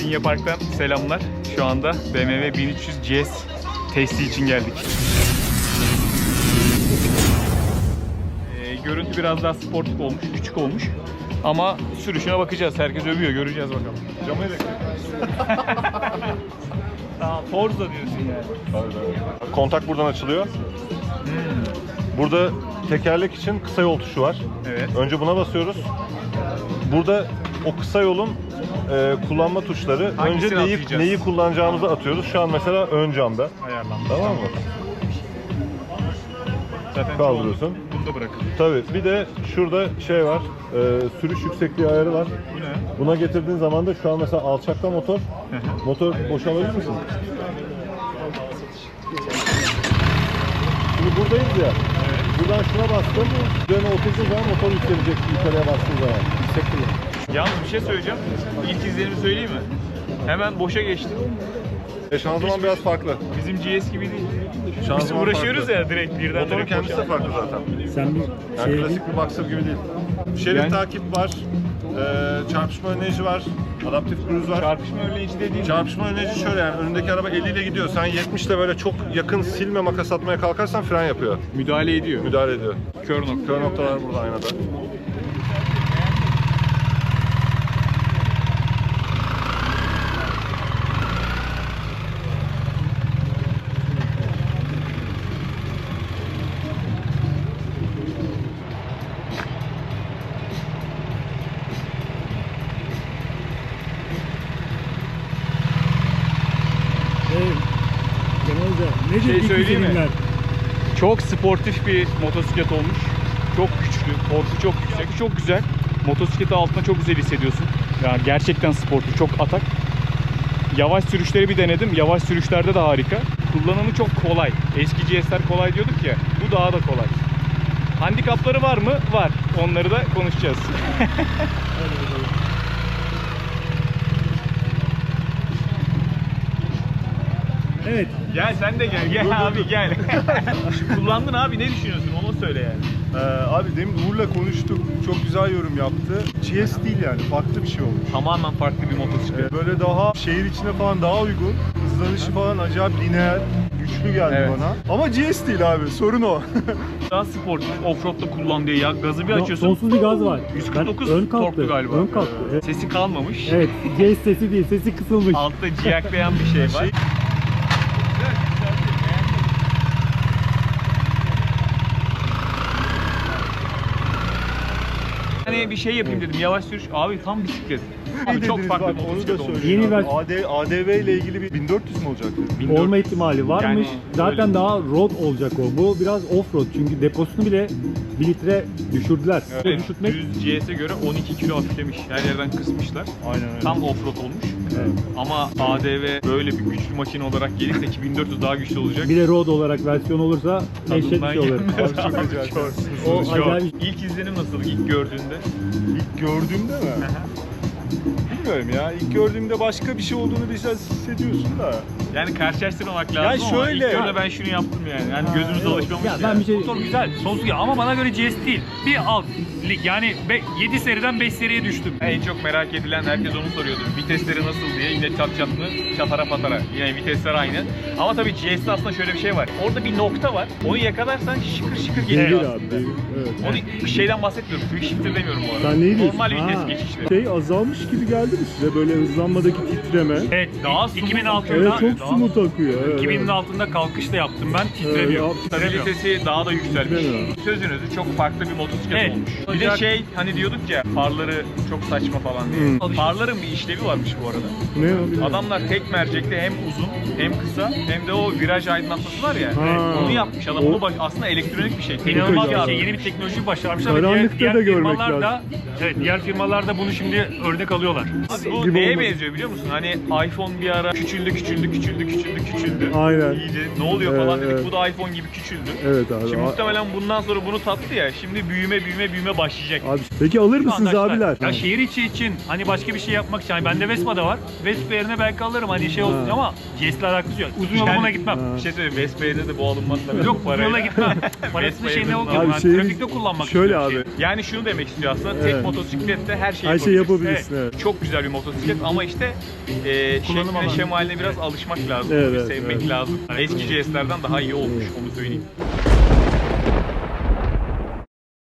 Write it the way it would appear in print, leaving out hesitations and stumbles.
Alanya Park'tan selamlar. Şu anda BMW 1300 GS testi için geldik. Görüntü biraz daha sportif olmuş, küçük olmuş. Ama sürüşüne bakacağız. Herkes övüyor, göreceğiz bakalım. Camı elektrik. Tamam, Forza diyorsun yani. Tabii. Kontak buradan açılıyor. Burada tekerlek için kısa yol tuşu var. Evet. Önce buna basıyoruz. Burada o kısa yolun kullanma tuşları. Hangisini Önce atlayacağız? neyi kullanacağımızı atıyoruz. Şu an mesela ön camda. Ayarlanmış. Tamam mı? Zaten Kaldırıyorsun. Bunda bırakın. Tabii. Bir de şurada şey var. Sürüş yüksekliği ayarı var. Bu ne? Buna getirdiğin zaman da şu an mesela alçakta motor. Motor boşalabilir misin? Şimdi buradayız ya. Evet. Buradan şuna bastım. Üzerine oturduğun zaman motor yükselecek yukarıya bastığın zaman. Yüksek kullan. Yalnız bir şey söyleyeceğim. İlk izlenimi söyleyeyim mi? Hemen boşa geçti. Şanzıman biraz farklı. Bizim GS gibi değil. Biz Şanzıman uğraşıyoruz farklı. ya direkt Motorun kendisi de farklı zaten. Sen bir Yani şey klasik bir Boxer gibi değil. Şerit Yani- takip var. Çarpışma önleyici var. Adaptif cruise var. Çarpışma önleyici de değil. Çarpışma önleyici şöyle, yani önündeki araba 50 ile gidiyor. Sen 70 ile böyle çok yakın silme makas atmaya kalkarsan fren yapıyor. Müdahale ediyor. Müdahale ediyor. Kör nokta. Kör noktalar burada aynada. nedir Şey ilk söyleyeyim mi? izlenimler? Çok sportif bir motosiklet olmuş. Çok güçlü, torku çok yüksek, çok güzel. Motosikleti altına çok güzel hissediyorsun. Yani gerçekten sportif, çok atak. Yavaş sürüşleri bir denedim. Yavaş sürüşlerde de harika. Kullanımı çok kolay. Eski GS'ler kolay diyorduk ya. Bu daha da kolay. Handikapları var mı? Var. Onları da konuşacağız. Evet. Gel sen de gel. Gel abi gel. Kullandın abi, ne düşünüyorsun? Onu söyle yani. Abi demin Uğur'la konuştuk. Çok güzel yorum yaptı. GS değil yani. Farklı bir şey olmuş. Tamamen farklı bir motosiklet. Böyle daha şehir içine falan daha uygun. Hızlanışı falan acayip lineer, güçlü geldi Evet. bana. Ama GS değil abi. Sorun o. Daha sportif, offroad'da kullan diye ya gazı bir açıyorsun. Sonsuz bir gaz var. 149 Ben ön kalktı. torklu galiba. Ön kalktı. Evet. Sesi kalmamış. Evet. G sesi değil. Sesi kısılmış. Altta ciyaklayan bir şey var. Hani bir şey yapayım dedim, yavaş sürüş. Abi tam bisiklet. Abi çok dediniz farklı bak, bir onu da motosiklet olmuş. söyleyeyim. Yeni abi. ADV ile ilgili bir 1400 mü olacaktı? 1400. Olma ihtimali varmış. Yani Zaten öyle. daha road olacak o. Bu biraz off-road çünkü deposunu bile 1 litre düşürdüler. Evet, Düşürtmek düz GS'e göre 12 kilo hafiflemiş. Her yerden kısmışlar. Aynen öyle. Tam offroad olmuş. Evet. Ama ADV böyle bir güçlü makine olarak gelirse ki 1400 daha güçlü olacak. bir de road olarak versiyon olursa dehşet bir Tadından şey olur. yenmez. Abi çok acayip. O Çok. acayip. İlk izlenim nasıl ilk gördüğünde? İlk gördüğümde mi? Bilmiyorum ya. İlk gördüğümde başka bir şey olduğunu biraz hissediyorsun da. Yani karşılaştırmamak lazım Ya ama şöyle- ilk gördüğümde ben şunu yaptım yani. Yani gözümüz yok. alışmamış Ya ya. ben bir şey Motor güzel, sonsuz güzel ama bana göre GS değil. Bir alt lig yani 7 seriden 5 seriye düştüm. En çok merak edilen, herkes onu soruyordu. Vitesleri nasıl diye, yine çat çat mı? Çatara patara. Yine vitesler aynı. Ama tabii GS'de aslında şöyle bir şey var. Orada bir nokta var. Onu yakalarsan şıkır şıkır geliyor Devir aslında. abi. Devir. Evet. Onu şeyden bahsetmiyorum. Quick shifter demiyorum bu arada. Sen neyi diyorsun? Normal vites Ha. geçişleri. Şey azalmış gibi geldi mi size? Böyle hızlanmadaki titreme. Evet, Daha 2000 smooth altında, Evet çok smooth akıyor. Evet, 2000'in evet. altında kalkışta yaptım ben, titremiyor. Evet, Titremiyor. Stabilitesi daha da yükselmiş. Titremiyor. Sözünüzü çok farklı bir motosiklet Evet. olmuş. Bir de şey hani diyorduk ya, farları çok saçma falan diye. Farların bir işlevi varmış bu arada. Ne o? bilmiyorum. Adamlar tek mercekte hem uzun hem kısa hem de o viraj aydınlatması var ya. Ha. Onu yapmış adam. Onu aslında elektronik bir şey. İnanılmaz Çok bir iyi. şey, yeni bir teknoloji başarmışlar ve Karanlıkta diğer da görmek firmalar da lazım. evet, diğer firmalar da bunu şimdi örnek alıyorlar. Abi bu gibi neye olmadı. benziyor biliyor musun? Hani iPhone bir ara küçüldü. Aynen. İyice ne oluyor falan Evet, dedik. evet. Bu da iPhone gibi küçüldü. Evet abi. Şimdi muhtemelen bundan sonra bunu tattı ya. Şimdi büyüme başlayacak. Abi peki alır Şu mısınız anda abiler? Ya şehir içi için hani başka bir şey yapmak için. Hani bende Vespa da var. Vespa yerine belki alırım hani şey olsun Ha. ama GS'le alakası yok. Uzun yola buna gitmem. Ha. Bir şey söyleyeyim, Vespa'ya de bu alınmaz tabii. Yok uzun yola gitmem. Parasını şey ne Abi oluyor? Yani şeyimiz- trafikte kullanmak Şöyle istiyorum abi. şeyi. Yani şunu demek istiyor aslında, tek Evet. motosiklette her şeyi Her şeyi yapabilirsin. yapabilirsin, evet. Çok güzel bir motosiklet ama işte Kullanım şekline, alanı. şemaline biraz alışmak lazım, Evet, evet, sevmek evet. lazım. Eski GS'lerden daha iyi olmuş, onu söyleyeyim.